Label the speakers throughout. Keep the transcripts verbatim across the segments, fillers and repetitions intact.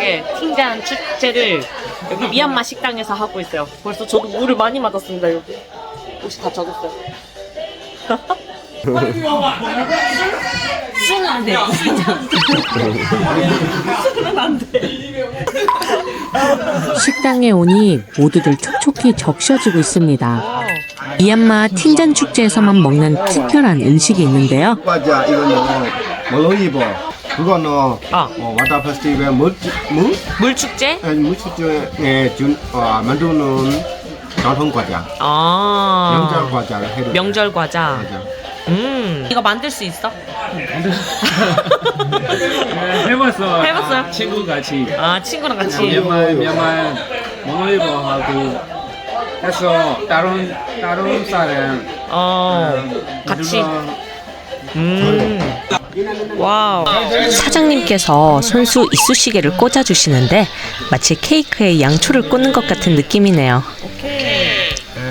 Speaker 1: 칠십육회 팅잔 축제를 여기 미얀마 식당에서 하고 있어요. 벌써 저도 물을 많이 맞았습니다. 여기 옷이 다 젖었어요. 술은 안 돼. 술은 안 돼.
Speaker 2: 식당에 오니 모두들 촉촉히 적셔지고 있습니다. 미얀마 팅잔 축제에서만 먹는 특별한 음식이 있는데요.
Speaker 3: 과자 이거는 몰롱이보. 그거는
Speaker 1: 아.
Speaker 3: 어, 와타 페스티벌 물 물?
Speaker 1: 물 축제?
Speaker 3: 아니 물 축제에 준 어, 만드는 전통 과자.
Speaker 1: 아.
Speaker 3: 명절 과자를 해도
Speaker 1: 명절 과자.
Speaker 3: 맞아.
Speaker 1: 음. 이거 만들 수 있어?
Speaker 4: 해봤어.
Speaker 1: 해봤어요?
Speaker 4: 친구 같이.
Speaker 1: 아 친구랑 같이.
Speaker 4: 미얀마 미얀마 몽골이보 하고 해서 다른 다른 사람
Speaker 1: 어. 같이.
Speaker 4: 만들어
Speaker 1: 음. 와우.
Speaker 2: 사장님께서 손수 이쑤시개를 꽂아주시는데 마치 케이크에 양초를 꽂는 것 같은 느낌이네요.
Speaker 1: 오케이.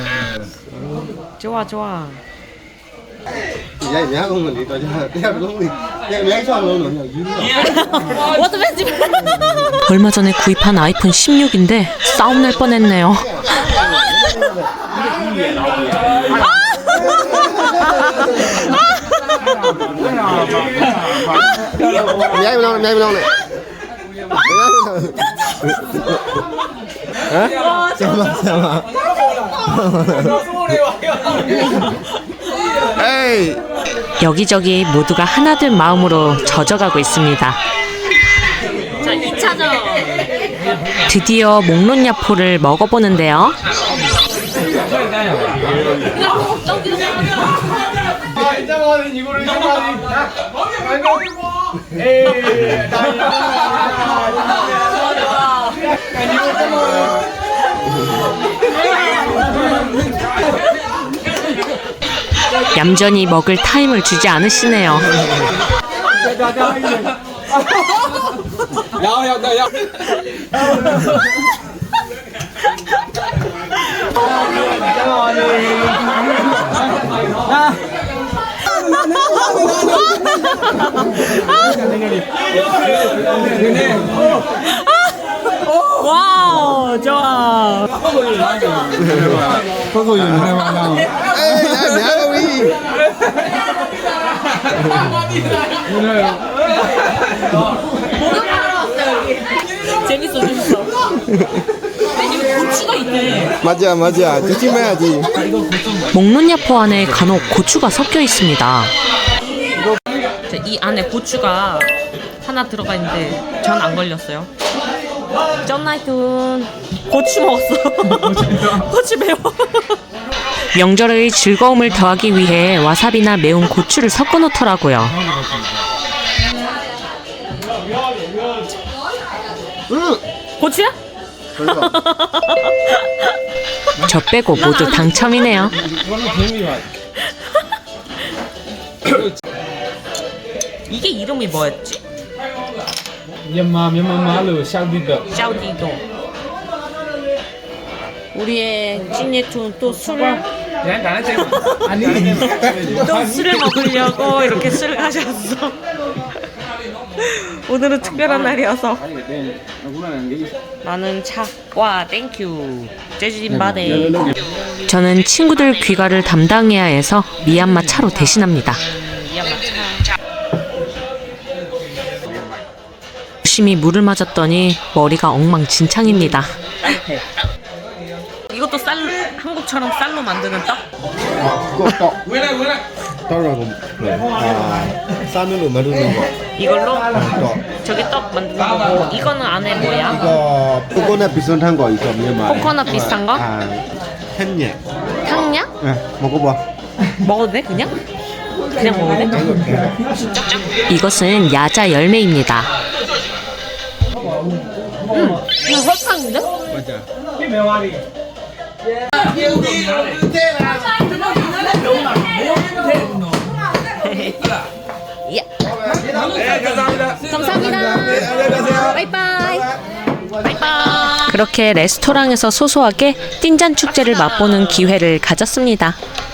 Speaker 1: 좋아 좋아.
Speaker 3: Vậy mẹ không mình đi coi cho theo đúng đi. Mẹ cho luôn rồi nhiều.
Speaker 1: 워터 페스티벌.
Speaker 2: 얼마 전에 구입한 아이폰 십육인데 싸움 날 뻔했네요.
Speaker 3: Nhảy bên đâu, nhảy bên đâu này. Hả? Xem mà, xem mà. 에이.
Speaker 2: 여기저기 모두가 하나둘 마음으로 젖어가고 있습니다.
Speaker 1: 자 이 차전.
Speaker 2: 드디어 목론야포를 먹어보는데요. 얌전히 먹을 타임을 주지 않으시네요.
Speaker 1: 와우 좋아.
Speaker 3: 에이, 야, mẹ đâu đi.
Speaker 1: 재밌어 재밌어. 이거 고추가 있네.
Speaker 3: 맞아, 맞아. 조심해야지.
Speaker 2: 목론야포 안에 간혹 고추가 섞여 있습니다.
Speaker 1: 자, 이 안에 고추가 하나 들어가 있는데 전 안 걸렸어요. 쩐나이툰 고추 먹었어. 고추 매워.
Speaker 2: 명절의 즐거움을 더하기 위해 와사비나 매운 고추를 섞어 놓더라고요.
Speaker 3: 응.
Speaker 1: 고추야?
Speaker 3: 별로.
Speaker 2: 저 빼고 모두 당첨이네요.
Speaker 1: 이게 이름이 뭐였지?
Speaker 4: 미얀마 미얀마 말로 샤우디더.
Speaker 1: 샤우디도. 우리의 찐예툰 또 술을
Speaker 4: 아니
Speaker 1: 또 술을 먹으려고 이렇게 술을 가셨어. 오늘은 특별한 날이어서 나는 차. 와 땡큐. 제주인 바데.
Speaker 2: 저는 친구들 귀가를 담당해야 해서 미얀마 차로 대신합니다.
Speaker 1: 미얀마 차.
Speaker 2: 열심히 물을 맞았더니 머리가 엉망진창입니다.
Speaker 1: 따뜻해. 이것도 쌀 한국처럼 쌀로 만드는 떡?
Speaker 3: 그거 떡. 떡이라고. 아, 쌀로 만드는 거.
Speaker 1: 이걸로
Speaker 3: 떡.
Speaker 1: 저기 떡 만드는 거고 이거는 안에 뭐야?
Speaker 3: 이거 코코넛 비슷한 거 있어, 미얀마에.
Speaker 1: 코코넛 비슷한 거?
Speaker 3: 아, 햄예.
Speaker 1: 탕냐?
Speaker 3: 네, 먹어봐.
Speaker 1: 먹어도 돼 그냥? 그냥 먹어도 돼?
Speaker 2: 이것은 야자 열매입니다.
Speaker 1: 음, 이거 설탕인데?
Speaker 3: 맞아.
Speaker 1: 감사합니다. 바이바이. 바이바이.
Speaker 2: 그렇게 레스토랑에서 소소하게 띵잔 축제를 맛보는 기회를 가졌습니다.